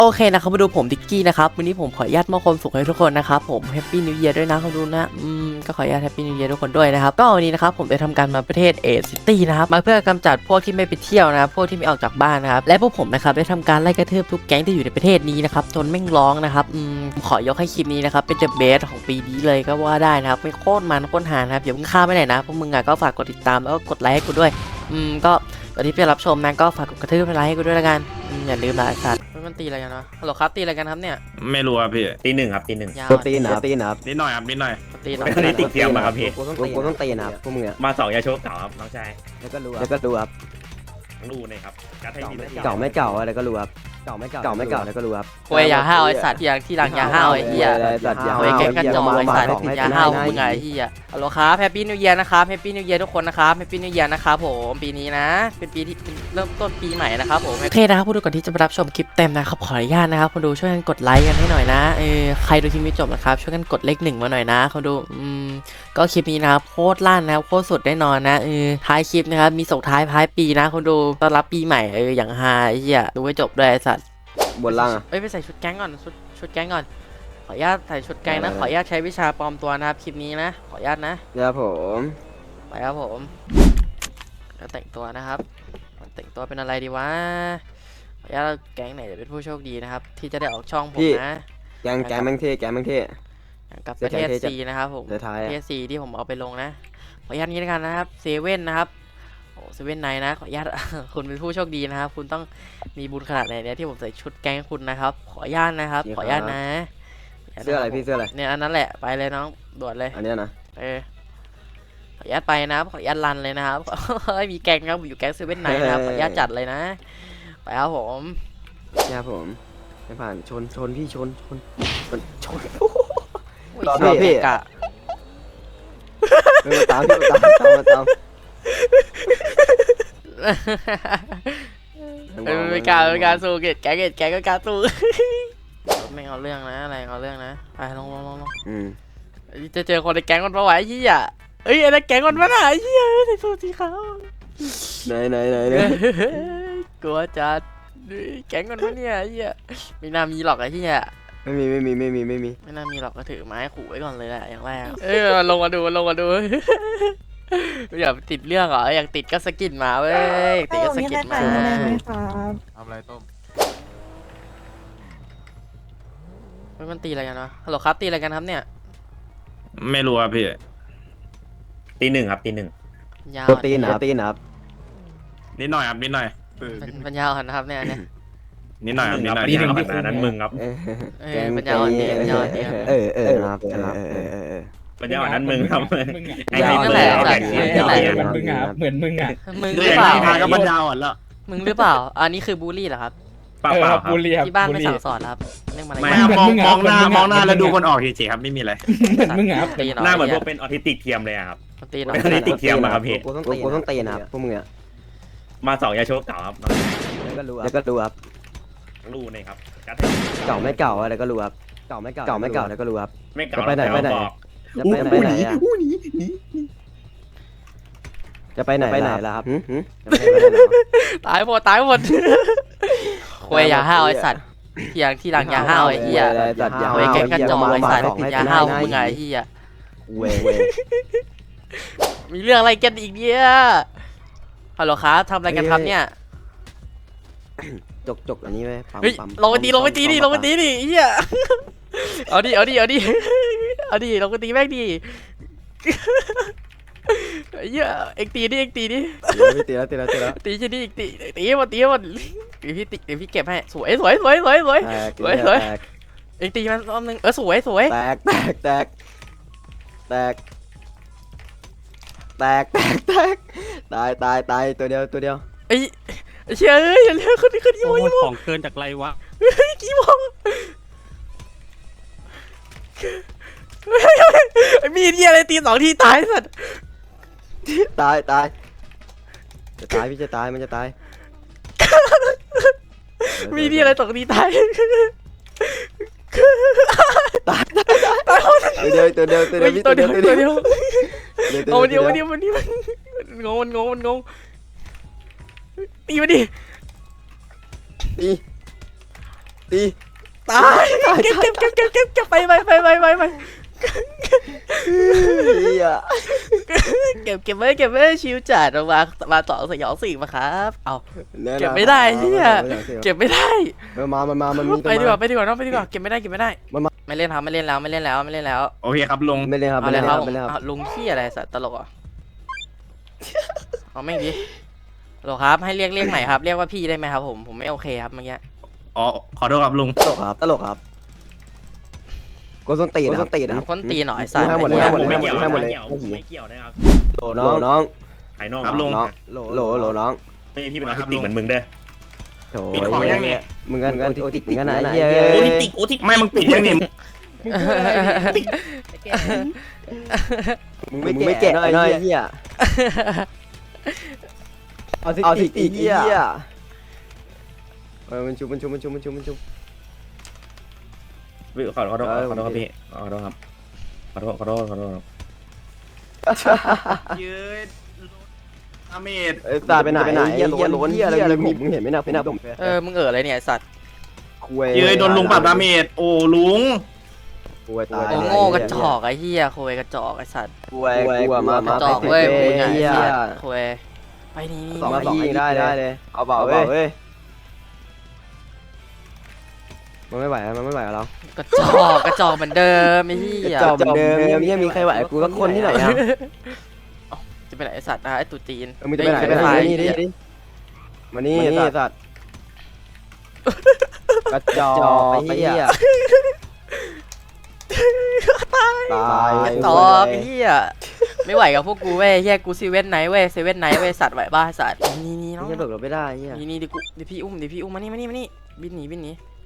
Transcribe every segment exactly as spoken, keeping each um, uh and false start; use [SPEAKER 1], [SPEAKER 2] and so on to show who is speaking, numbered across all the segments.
[SPEAKER 1] โอเคนะครับมาดูผมดิกกี้นะครับวันนี้ผมขออนุญาตมอบความสุขให้ทุกคนนะครับผมแฮปปี้นิวเยียร์ด้วยนะเขาดูนะอืมก็ขออนุญาตแฮปปี้นิวเยียร์ทุกคนด้วยนะครับก็วันนี้นะครับผมได้ทำการมาประเทศเอซิตี้นะครับมาเพื่อกำจัดพวกที่ไม่ไปเที่ยวนะครับพวกที่ไม่ออกจากบ้านนะครับและพวกผมนะครับได้ทำการไล่กระทืบทุกแก๊งที่อยู่ในประเทศนี้นะครับจนแม่งร้องนะครับอืมขอยกให้คลิปนี้นะครับเป็นเดอะเบสของปีนี้เลยก็ว่าได้นะครับไม่โคตรมันโคตรหานะครับอย่าเพิ่งข้ามไปไหนนะพวกมึงอ่ะก็ฝากกดติดตามแล้วก็กดไลค์ให้กูด้วยอืมก็ตอนที่ไปรับชมนะก็ฝากกดกระทืบไลค์ให้กูด้วยละกันอย่าลืมนะไอ้สัตว์มันตีอะไรกันวะฮัลโหลครับตีอะไรกันครับเนี่ย
[SPEAKER 2] ไม่รู้ครับพี่
[SPEAKER 3] ตีหนึ่งครับตีหนึ่ง
[SPEAKER 1] ยาว
[SPEAKER 4] ตัวตีนนะครับตีนนะครับ
[SPEAKER 2] นิดหน่อยครับนิดหน่อย
[SPEAKER 1] ตีหน่อย
[SPEAKER 3] อันนี้ติดเทียมมาครับพี่
[SPEAKER 4] กูต้องตีกูต้องตีนะครับพวกมึงอ่ะ
[SPEAKER 3] มาสองยาโชกเก่าครับน้องชาย
[SPEAKER 4] แล้วก็รู้แล้วก็รู้ครับ
[SPEAKER 3] รู้เลยครับกัดให้ดี
[SPEAKER 4] เก่าไม่เก่าอะไรก็รู้ครับเก่าไม่เก่าเก่าไม่เก่าแล้วก็รู้ครับ
[SPEAKER 1] โวยอย่าห้าวไอ้สัตว์ที่หลังที่หลังอย่าห้าวไอ้เหี้ย
[SPEAKER 4] สัตว์อย่า
[SPEAKER 1] โวยแกงกระจอกไอ้สัตว์อย่าห้าวมึงไงไอ้เหี้ยฮัลโหลครับแฮปปี้นิวเยียร์นะครับแฮปปี้นิวเยียร์ทุกคนนะครับแฮปปี้นิวเยียร์นะครับผมปีนี้นะเป็นปีที่เริ่มต้นปีใหม่นะครับผมโอเคนะครับผู้ดูก่อนที่จะไปรับชมคลิปเต็มนะครับขออนุญาตนะครับคนดูช่วยกันกดไลค์กันให้หน่อยนะเออใครดูคลิปนี้จบนะครับช่วยกันกดเลขหนึ่งมาหน่อยนะคนดูอืมก็คลิปนี้นะครับโคตรลั่นนะครับโคตรสุดแน่นอนนะเออท้ายคลิปนะครับมีส่งท้ายท้ายปีนะคนดูต้อนรับปีใหม่เอออย่างฮาไอ้เหี้ยดูให้จบด้วยไอ้สัตว์
[SPEAKER 4] บนล่างอ่ะ
[SPEAKER 1] เอ้ยไปใส่ชุดแก๊งก่อนชุดชุดแก๊งก่อนขออนุญาตใส่ชุดแก๊งนะขออนุญาตใช้วิชาปลอมตัวนะครับคลิปนี้นะขออนุญาตนะครับ
[SPEAKER 4] ผม
[SPEAKER 1] ไปครับผมจะแต่งตัวนะครับแต่งตัวเป็นอะไรดีวะขออนุญาตแก๊งไหนจะเป็นผู้โชคดีนะครับที่จะได้ออกช่องผมนะ
[SPEAKER 4] แกงแกงแม่งเท่แกงแม่งเท่
[SPEAKER 1] กับประเทศซีนะครับผม
[SPEAKER 4] เดี๋ยวท้าย
[SPEAKER 1] ประเทศซีที่ผมเอาไปลงนะขออนุญาตนี้แล้วกันนะครับเซเว่นนะครับโอ้เซเว่นไนนะขออนุญาต คุณเป็นผู้โชคดีนะครับคุณต้องมีบุญขนาดไหนเนี่ยที่ผมใส่ชุดแก๊งคุณนะครับขออนุญาตนะครับขออนุญาตนะ
[SPEAKER 4] เสื้ออะไรพี่เสื้ออะไร
[SPEAKER 1] เนี่ยอันนั้นแหละไปเลยน้องด่วนเลย
[SPEAKER 4] อันเนี้ยนะ
[SPEAKER 1] เออขออนุญาตไปนะครับขออนุญาตรันเลยนะครับ มีแก๊งครับอยู่แก๊งเซเว่นไนนะครับขออนุญาตจัดเลยนะไปครับผม
[SPEAKER 4] เนี่ยผมไม่ผ่านชนชนพี่ชนชนชนชน
[SPEAKER 1] อุ้ย
[SPEAKER 4] ต่อ
[SPEAKER 1] เสื้อ
[SPEAKER 4] พี่
[SPEAKER 1] กะ
[SPEAKER 4] มาตามพี่มาตามตามมาตาม
[SPEAKER 1] เออไม่กล้าไม่กล้าสู้เกตแก๊งเกตแก๊งก็กล้าสู้ ไม่เอาเรื่องนะอะไรเอาเรื่องนะไปลงลงลงลง
[SPEAKER 4] อืม
[SPEAKER 1] จะเจอคนในแก๊งมันปะวะไอ้เหี้ยเอ้ยไอ้นั่นแก๊งมันปะน่ะไอ้เหี้ยใส่สูทสีขาว
[SPEAKER 4] ไหนไหนไหนไหน
[SPEAKER 1] กลัวจัดแก๊งมันปะเนี่ยไอ้เหี้ยไม่น่ามีหรอกไอ้เหี้ย
[SPEAKER 4] ไม่มีไม่มีไม่มีไม่มี
[SPEAKER 1] ไม่น่ามีหรอกก็ถือไม้ขู่ไว้ก่อนเลยแหละอย่างแรกเอ้ยมันลงมาดูมันลงมาดู อยากติดเรื่องเหรออยากติดก็สกินมาเว้ยอยากติดก็สกินมา
[SPEAKER 5] ทำอะไรต้ม
[SPEAKER 1] เฮ้ยมันตีอะไรกันวะฮัลโหลครับตีอะไรกันครับเนี่ย
[SPEAKER 2] ไม่รู้ครับพี่
[SPEAKER 3] ตีหนึ่งครับตีหนึ่ง
[SPEAKER 1] ยาว
[SPEAKER 4] ตัวตีนนะครับตีนนะครับ
[SPEAKER 2] นิดหน่อยครับนิดหน่อย
[SPEAKER 1] เป็นปัญญาอ่อนนะครับเนี่ยเนี่ย
[SPEAKER 2] นิดหน่อยครับนิดหน่อย
[SPEAKER 3] ตีหนึ่งครับนั้นมึงครับ
[SPEAKER 4] เออ
[SPEAKER 1] เออปัญญาอ่อนดีปัญญาอ่อนดีครับ
[SPEAKER 4] เออเออนะครับเออเออเออเออ
[SPEAKER 3] ปัญญาอ่อนนั้นมึงครับ
[SPEAKER 5] มึงอ่ะ
[SPEAKER 3] ไอ้ไอ้
[SPEAKER 1] นั่
[SPEAKER 3] เบ
[SPEAKER 1] น
[SPEAKER 3] อ
[SPEAKER 1] แหละ
[SPEAKER 3] ร์แบ่ง
[SPEAKER 1] นั่นแหละ
[SPEAKER 5] เหมือนมึงอ่ะเหมือนมึงอ่ะ
[SPEAKER 1] มึงหรือเปล่า
[SPEAKER 2] ก็บรรดาอ่อนแล้ว
[SPEAKER 1] มึงหรือเปล่าอันนี้คือบูลลี่เหรอครับ
[SPEAKER 3] เปล่า
[SPEAKER 5] เออ
[SPEAKER 3] เปล่า
[SPEAKER 5] ครับ
[SPEAKER 3] ครับ
[SPEAKER 5] บุรีครับ
[SPEAKER 1] ที่บ้าน
[SPEAKER 5] บุ
[SPEAKER 1] ไม่
[SPEAKER 5] รี
[SPEAKER 1] สั่งสอนครับเรื่องอะไร
[SPEAKER 3] ไม่
[SPEAKER 5] เหมือน
[SPEAKER 3] มอง
[SPEAKER 5] มึงอะ
[SPEAKER 3] มองหน้า
[SPEAKER 5] เหมือนมึงอะ
[SPEAKER 3] มองหน้า
[SPEAKER 5] เหมือนมึงอะ
[SPEAKER 3] แล้วดูคนออกเฉยๆครับไม่มีอะไร
[SPEAKER 5] เหมือนมึงอ่ะ
[SPEAKER 1] ตีหน่อย
[SPEAKER 3] หน้าเหมือนพวกเป็นออทิสติกเทียมเลยอะครับ
[SPEAKER 1] ตีหน่อย
[SPEAKER 3] เป็นออทิสติกเทียมอะครับพี่
[SPEAKER 4] กูต้องตีกูต้องตีนะครับพวกมึงอ่ะ
[SPEAKER 3] มาสองยาโชกเก่าครับ
[SPEAKER 4] แล้วก็รู้แล้วก็รู้ครับ
[SPEAKER 3] รู้เลยครับกัดให้ดี
[SPEAKER 4] เก่าไม่เก่าอะไรก็รู้ครับเก่าไม่เก่าเก่าไม่เก่าแล้วก็รู้ครับ
[SPEAKER 3] ไม่เก่า
[SPEAKER 4] จะไปไหนไปไหน
[SPEAKER 3] บอก
[SPEAKER 4] จะไปไปไหนอ่ะจะไปไหนไปไหนล่ะครับจะไปไหนล่ะ
[SPEAKER 1] ตายหมดตายหมดควยอย่าห้าวไอ้สัตว์ที่หลังที่หลังอย่าห้าวไอ้เหี้ย
[SPEAKER 4] สัตว์อย่า
[SPEAKER 1] ควยแก๊งกระจอกไอ้สัตว์อย่าห้าวมึงไงไอ้เหี้ย
[SPEAKER 4] เว้ยเว้ย
[SPEAKER 1] มีเรื่องอะไรกันอีกเนี่ยฮัลโหลครับทำอะไรกันครับเนี่ย
[SPEAKER 4] จกจกอันนี้ไหมปั๊ม
[SPEAKER 1] เฮ้ย
[SPEAKER 4] ปั๊ม
[SPEAKER 1] ลงไปตีลงไปตีดิลงไปตีดิไอ้เหี้ยเอาดิเอาดิเอาดิเอาดิลงไปตีแม่งดิไอ้เหี้ยเอ็กตีดิเอ็กตีดิ
[SPEAKER 4] ตีแล้วตีแล้วตีแล้ว
[SPEAKER 1] ตีชนิดอีกตีตีหมดตีหมดเดี๋ยวพี่ติเดี๋ยวพี่เก็บให้สวยสวยสวยสวยสวย
[SPEAKER 4] แตก
[SPEAKER 1] สวยสวย เอ็กตีมันรอบนึงเออสวยสวย
[SPEAKER 4] แตกแตกแตกแตกแตกแตกแตกตายตายตายตัวเดียวตัวเดียว
[SPEAKER 1] ไอ้เชี่ยเอ้ยอย่าเลี้ยงคนนี้คนนี้โมยโม
[SPEAKER 2] ของเกินจากไรวะ
[SPEAKER 1] กี่โมไอ้มีดเหี้ยอะไรตีสองทีตายสัตว์
[SPEAKER 4] ตายตายจะตายพี่จะตายมันจะตาย
[SPEAKER 1] มีดเหี้ยอะไรสองทีตาย
[SPEAKER 4] ตายตายตายตายตัวเดียวตัวเดียวตัวเดียวพี่
[SPEAKER 1] ตั
[SPEAKER 4] ตัว ว
[SPEAKER 1] เดี
[SPEAKER 4] เดี
[SPEAKER 1] ย
[SPEAKER 4] ยว ว
[SPEAKER 1] ตั
[SPEAKER 4] ตัว ว
[SPEAKER 1] เดี
[SPEAKER 4] เดี
[SPEAKER 1] ย
[SPEAKER 4] ยว ว
[SPEAKER 1] เอาเดียวมันเดียวมันเดียวมันงงมันงงมันงงตีมาดิ
[SPEAKER 4] ตีตี
[SPEAKER 1] ตายเก็บเก็บเก็บเก็บเก็บเก็บไปไปไปไปไปไป
[SPEAKER 4] เฮีย
[SPEAKER 1] เก็บเก็บไว้เก็บไว้ชิวจัดมามาต่อสยองสี่มาครับเอา เก็บไม่ได้เหี้ย เก็บไม่ได้
[SPEAKER 4] มันมามันมามันมี
[SPEAKER 1] ไปดีกว่าไปดีกว่าน้องไปดีกว่าเก็บไม่ได้เก็บไม่ได้
[SPEAKER 4] มันมา
[SPEAKER 1] ไม่เล่นครับไม่เล่นแล้วไม่เล่นแล้วไม่เล่นแล้ว
[SPEAKER 2] โอเคครับลุง
[SPEAKER 4] ไม่เลยครับ
[SPEAKER 1] เอา
[SPEAKER 4] ไม่
[SPEAKER 1] เล
[SPEAKER 4] เลย ย
[SPEAKER 1] ค
[SPEAKER 4] ค
[SPEAKER 1] รั
[SPEAKER 4] รั
[SPEAKER 1] บบ
[SPEAKER 4] ไม่เลยครับ
[SPEAKER 1] อ่ะลุงขี้อะไรสัตว์ตลกเหรอ่ะเอาไม่ดีฮัลโหลครับให้เรียกเรียกใหม่ครับเรียกว่าพี่ได้ไหมครับผมผมไม่โอเคครับเมื่อกี้
[SPEAKER 2] อ๋อขอโทษครับลุง
[SPEAKER 4] ตลกครับตลกครับโกส้นตีนโกส้นตีนนะครับ
[SPEAKER 1] คนตีหน่อยสัตว์
[SPEAKER 4] ให้หมดเลย
[SPEAKER 1] ไอ้
[SPEAKER 4] ให้
[SPEAKER 1] เหี้
[SPEAKER 4] ห
[SPEAKER 1] ย
[SPEAKER 4] มดเลย
[SPEAKER 3] ไม่เกี่ยวไม่เกี่ยวไม่เกี่ยวนะครับ
[SPEAKER 4] โหลน้องน้อง
[SPEAKER 3] ภายนอก
[SPEAKER 2] ครับลุง
[SPEAKER 4] น้องโหลโหลโหลน้อง
[SPEAKER 3] ไม่ใช่พี่เป็นออทิสติกเหมือนมึงเด้อ
[SPEAKER 4] โถ่
[SPEAKER 2] ปิดของยังเนี่ย
[SPEAKER 4] มึงกันกันโอติกเหมือนกันนะไอ้เหี้ย
[SPEAKER 3] โอทิสติกโอทิส
[SPEAKER 2] ไม่มึงปิดยังนี่
[SPEAKER 4] มึงไม่ไม่แกะหน่อยไอ้เหี้ยเอาสิเอาสิไอ้เหี้ยเออมันชุบมันชุบมันชุบมันชุบมันชุบ
[SPEAKER 3] ขอโทษขอโทษขอโทษครับพี่ขอโทษครับขอโทษขอโทษขอโทษ
[SPEAKER 2] ยืดอาเมด
[SPEAKER 4] เอ้ยตาไปไหนไปไหนเหี้ยล้นเหี้ยอะไรมึงมึงเห็นไหมนะพี่นะผม
[SPEAKER 1] เออมึงเอ๋ออะไรเนี่ยไอ้สัตว์
[SPEAKER 4] คุย
[SPEAKER 2] ยืดโดนลุงปรับดาเมจโอ้ลุง
[SPEAKER 4] คุยตาย
[SPEAKER 1] โอ้โง่กระจอกไอ้เหี้ยโคยกระจอกไอ้สัตว์
[SPEAKER 4] คุยคุยมาก
[SPEAKER 1] ระจอกเว้ยมึงไง
[SPEAKER 4] เหี้ย
[SPEAKER 1] ไอ้สัตว์โคยไปนี่นี่
[SPEAKER 4] สองสองได้ได้เลยเอาเบาเว้ยมันไม่ไหวมันไม่ไหวกับเรา
[SPEAKER 1] กระจอกกระจอกเหมือนเดิมไอ้เหี้ย
[SPEAKER 4] จอบเหมือนเดิมยังมีใครไหวกูสักคนที่ไหนอ่ะ
[SPEAKER 1] จะไปไหนไอ้สัตว์นะไอ้ตุ๊จีน
[SPEAKER 4] มึงจะไปไหนไปไหนนี่ดิมานี่สัตว์กระจอกไอ้เหี้ยตาย
[SPEAKER 1] กระจอกไอ้เหี้ยไม่ไหวกับพวกกูเว้ยแยกกูซีเว่นไนท์เว้ยเซเว่นไนท์เว้ยสัตว์ไหวบ้าสัตว์นี่นี่น้อง
[SPEAKER 4] ยังเบิกเราไม่ได้เหี้ย
[SPEAKER 1] นี่นี่ดิกูดิพี่อุ้มดิพี่อุ้มมานี่มานี่มานี่บินหนีบินหนี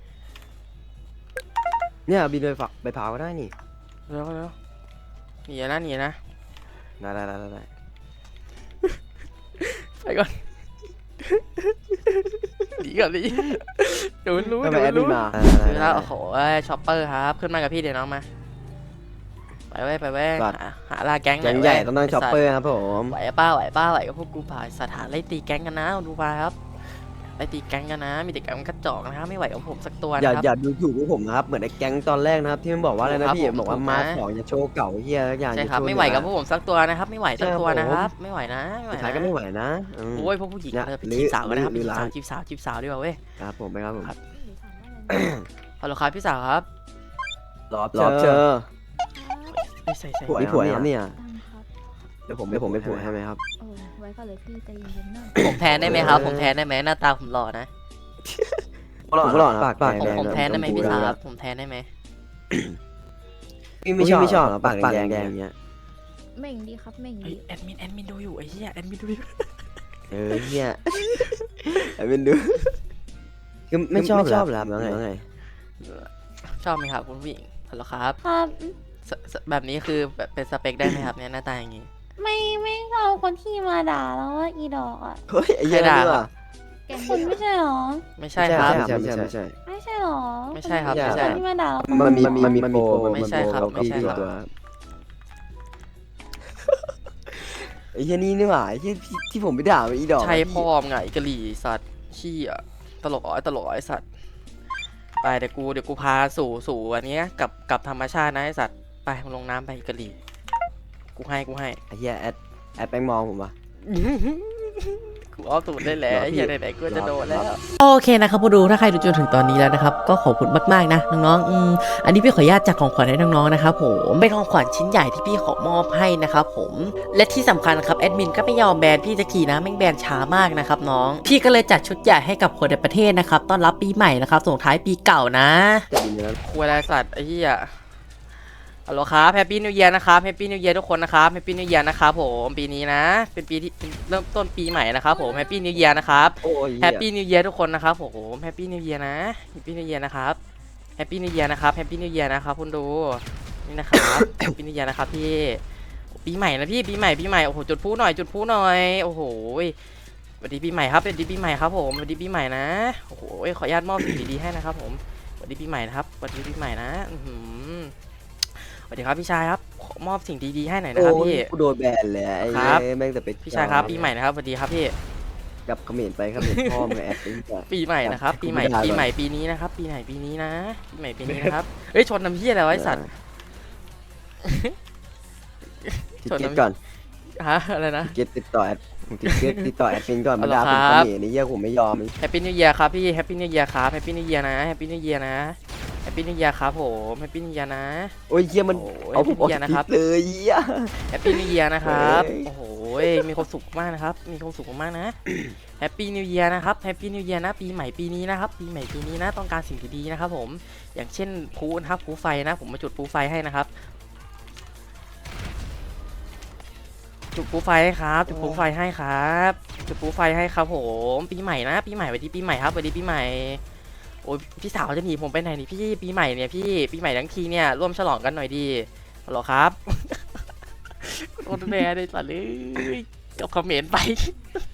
[SPEAKER 4] เนี่ยบินไปฝักไปเผาก็ได้นี่
[SPEAKER 1] เร็วเร็วหนีนะหนีนะ
[SPEAKER 4] ได้ได้ได้ได้
[SPEAKER 1] ไปก่อนหนีก่อนดิเดี๋ยวมันรู้
[SPEAKER 4] ทำไม
[SPEAKER 1] เดี๋ยว
[SPEAKER 4] แอ
[SPEAKER 1] มัน
[SPEAKER 4] ดมิ
[SPEAKER 1] รู้
[SPEAKER 4] นมา
[SPEAKER 1] คือแล้วโอ้โหช็อปเปอร์ครับขึ้นมากับพี่เดี๋ยวน้องมาไปเว้ยไปเว้ยหาหาลาแก๊งหน่
[SPEAKER 4] แก๊
[SPEAKER 1] อย
[SPEAKER 4] ง
[SPEAKER 1] เว้ย
[SPEAKER 4] ใหญ่ต้องนั่งช็อปเปอร์ครับผม
[SPEAKER 1] ไหวป้าไหวป้าไหวกับพวกกูผ่านสถานไล่ตีแก๊งกันนะดูไปครับไล่ตีแก๊งกันนะมีแต่แก๊งกระจอกนะครับไม่ไหวกับผมสักตัว
[SPEAKER 4] อย่า
[SPEAKER 1] นะครับ
[SPEAKER 4] อย่าดูถูกพวกผมนะครับเหมือนไอ้แก๊งตอนแรกนะครับที่มันบอกว่าอะไรนะครับ พี่
[SPEAKER 1] ผม
[SPEAKER 4] บอกว่า
[SPEAKER 1] ถูก
[SPEAKER 4] มา
[SPEAKER 1] นะ
[SPEAKER 4] ของอย่าโชว์เก่าเฮียอย่าง
[SPEAKER 1] ใช่ครับไม่ไหวกับพวกผมสักตัวนะครับ ไม่ไหวสักตัวนะครับไม่ไหวนะไม่ไหว
[SPEAKER 4] สุดท้าย
[SPEAKER 1] นะ
[SPEAKER 4] ก็ไม่ไหวนะอืม
[SPEAKER 1] โอ้ยพวกผู้หญิง
[SPEAKER 4] เนี่ย
[SPEAKER 1] เออไป
[SPEAKER 4] หรือ
[SPEAKER 1] จีบสาวกันนะครับ
[SPEAKER 4] หรือ
[SPEAKER 1] จีบสาว
[SPEAKER 4] ร้าน
[SPEAKER 1] จีบสาวจีบสาวดีกว่าเว้ย
[SPEAKER 4] ครับผมไปครับผม
[SPEAKER 1] ฮัลโหลครับพี่สาวครับ
[SPEAKER 4] รอบรอบเจอ
[SPEAKER 1] ใส่ใส่ใส่
[SPEAKER 4] ผัวผัวครับเนี่ย
[SPEAKER 6] ตั้งครับ
[SPEAKER 4] เดี๋ยวผมเดี๋ยวผมไปผัวให้ไหมครับ
[SPEAKER 6] โอ้ไว้ก่อนเลยพี่ใจเย็นๆหน่อย
[SPEAKER 1] ผมแทนได้ไหมครับ ผมแทนได้ไหมหน้าตาผมหล่อนะ
[SPEAKER 4] ผมหล่อนะปากปาก
[SPEAKER 1] ผม
[SPEAKER 4] แดง
[SPEAKER 1] ผมแทนได้ไหม
[SPEAKER 4] ชพู
[SPEAKER 1] พี่สาว
[SPEAKER 4] แล้
[SPEAKER 1] ครับผมแทนได้ไหม
[SPEAKER 4] พี่ไม่ชอบไม่ชอบหรอปากแดงแดงอย่างเงี้ย
[SPEAKER 6] เหม่งดีครับเหม่ง
[SPEAKER 1] เฮ้ย
[SPEAKER 6] ดี
[SPEAKER 1] แอดมินแอดมินดูอยู่ไอ้เหี้ยแอดมินดูอยู่
[SPEAKER 4] เออเฮียไอ้เป็นดูคือไม่ชอบชอบหรอแล้วไง
[SPEAKER 1] ชอบไหมครับคุณผู้หญิงฮัลโหลครับ
[SPEAKER 6] ครับ
[SPEAKER 1] สสแบบนี้คือแบบเป็นสเปคได้ไหมครับเนี่ยหน้าตาอย่างงี้
[SPEAKER 6] ไม่ไม่เอาคนที่มาด่าแล้วว่าอีดอกอ่ะ
[SPEAKER 4] เฮ้ยไอ้เหี้ย
[SPEAKER 1] ใครด่า
[SPEAKER 4] นี่
[SPEAKER 1] ครั
[SPEAKER 4] ว่ะ
[SPEAKER 1] บ
[SPEAKER 6] แกคุณไม่ใช่หรอ
[SPEAKER 1] ไม่ใช่ครับ
[SPEAKER 4] ไม่ใช่ไม่ใช่ไม่ใช่
[SPEAKER 6] ไม่ใช่หรอ
[SPEAKER 1] ไม่ใช่ครับ
[SPEAKER 6] น
[SPEAKER 1] ไม่ใช่
[SPEAKER 6] คนที่มาด่าเรา
[SPEAKER 4] มันมีมันมีโปร
[SPEAKER 1] ไม่ใช่ครับ
[SPEAKER 4] มัน
[SPEAKER 1] ไม่ใช่ครับ
[SPEAKER 4] ตัวไอ้เหี้ยนี่นี่หว่าไอ้เหี้ยที่ที่ผมไปด่าไอ้ดอก
[SPEAKER 1] ใช่พ่อมงไงกะหรี่สัตว์ขี้อ่ะตลกอ๋อตลกอ๋อไอสัตว์ไปเดี๋ยวกูเดี๋ยวกูพาสู่สู่อันเนี้ยกับกับธรรมชาตินะไอสัตว์ไปมึงลงน้ำไปกะหรี่กูให้กูให้
[SPEAKER 4] ไอ้เหี้ยแอดแอดแปงมองผมว่ะ
[SPEAKER 1] กูเอาตูดได้แล้ว
[SPEAKER 4] รอพี่
[SPEAKER 1] ไอ้เหี้ยไหนๆกูจะโดนแล้ว
[SPEAKER 4] รอ
[SPEAKER 1] โอเคนะครับผู้ดูถ้าใครดูจนถึงตอนนี้แล้วนะครับก็ขอบคุณมากๆนะน้องๆอืมอันนี้พี่ขออนุญาตจัดของขวัญให้น้องๆนะครับผมเป็นของขวัญชิ้นใหญ่ที่พี่ขอมอบให้นะครับผมและที่สำคัญครับแอดมินก็ไม่ยอมแบนพี่สักทีนะแม่งแบนช้ามากนะครับน้องพี่ก็เลยจัดชุดใหญ่ให้กับคนในประเทศนะครับต้อนรับปีใหม่นะครับส่งท้ายปีเก่านะ
[SPEAKER 4] จะบินแล้ว
[SPEAKER 1] คุยอะไรสัตว์ไอ้เหี้ยฮัลโหลครับแฮปปี้นิวเยียร์นะครับแฮปปี้นิวเยียร์ทุกคนนะครับแฮปปี้นิวเยียร์นะครับผมปีนี้นะเป็นปีที่เป็นเริ่มต้นปีใหม่นะครับผมแฮปปี้นิวเยียร์นะครับ
[SPEAKER 4] โอ้ย
[SPEAKER 1] แฮปปี้นิวเยียร์ทุกคนนะครับผมแฮปปี้นิวเยียร์นะแฮปปี้นิวเยียร์นะครับแฮปปี้นิวเยียร์นะครับแฮปปี้นิวเยียร์นะครับคุณดูนี่นะครับแฮปปี้นิวเยียร์นะครับพี่ปีใหม่นะพี่ปีใหม่ปีใหม่โอ้โหจุดพลุหน่อยจุดพลุหน่อยโอ้โหสวัสดีปีใหม่ครับสวัสดีปีใหม่ครับผมสวัสดีปีใหม่นะโอ้โหขออนุญาตมอบสิ่งดีๆให้นะครับผมสวัสดีปีใหม่นะครับสวัสดีปีใหม่นะอื้อหือสวัสดีครับพี่ชายครับขอมอบสิ่งดีๆให้หน่อยนะครับ
[SPEAKER 4] โอ้ย
[SPEAKER 1] พี่
[SPEAKER 4] กูโดนแบนเลยไอ้
[SPEAKER 1] ครับ
[SPEAKER 4] เหี้ยแม่งแต่ไป
[SPEAKER 1] พี่ชายครับปีใหม่นะครับสวัสดีครับพี่
[SPEAKER 4] กับเขมรไปเขมรพ่อมึงแอดเป็นแต่
[SPEAKER 1] ปีใหม่นะครับ ปีใหม่
[SPEAKER 4] ไม่ได้
[SPEAKER 1] ปีใหม่ปีนี้นะครับ ปีใหม่ปีนี้นะ ปีใหม่ปีนี้นะครับ เอ้ยชนน้ำเหี้ยอะไรวะไอ้สัตว์
[SPEAKER 4] ติดเกตก่อน
[SPEAKER 1] ฮะอะไรนะ
[SPEAKER 4] ติดเกตติดต่อแอดติดเกตติดต่อแอดเป็นก่อน
[SPEAKER 1] เอา
[SPEAKER 4] มา
[SPEAKER 1] เหรอ
[SPEAKER 4] ด่าผม
[SPEAKER 1] ครับ
[SPEAKER 4] เขมรนี่เหี้ยผมไม่ยอม
[SPEAKER 1] แฮปปี้นิวเยียร์ครับพี่แฮปปี้นิวเยียร์ครับแฮปปี้นิวเยียร์นะแฮปปี้นิวเยียร์นะแฮปปี้นิวเยียร์ครับผมแฮปปี้นิวเยียร์นะ
[SPEAKER 4] โอ้ยเหี้ยมัน
[SPEAKER 1] โอ้ย
[SPEAKER 4] เอาผมออก
[SPEAKER 1] เหี้ย
[SPEAKER 4] จาก
[SPEAKER 1] นะ
[SPEAKER 4] ค
[SPEAKER 1] ค
[SPEAKER 4] ลิ
[SPEAKER 1] รับ
[SPEAKER 4] ปเลยเหี้ย
[SPEAKER 1] แฮปปี้นิวเยียร์นะครับ
[SPEAKER 4] เฮ้ย
[SPEAKER 1] โอ้โหมีความสุขมากนะครับ มีความสุขมากนะแฮปปี้นิวเยียร์นะครับแฮปปี้นิวเยียร์นะปีใหม่ปีนี้นะครับปีใหม่ปีนี้นะต้องการสิ่งที่ดีนะครับผมอย่างเช่นพลุนะครับพลุไฟนะผมมาจุดพลุไฟให้นะครับจุดพลุไฟให้ครับจุดพลุไฟให้ครับจุดพลุไฟให้ครับผมปีใหม่นะปีใหม่สวัสดีปีใหม่ครับสวัสดีปีใหม่โอ้ยพี่สาวจะหนีผมไปไหนนี่พี่ปีใหม่เนี่ยพี่ปีใหม่ทั้งทีเนี่ยร่วมฉลองกันหน่อยดีฮัลโหลครับ โดนแบนเลยสัตว์เลยกับคอมเมนต์ไป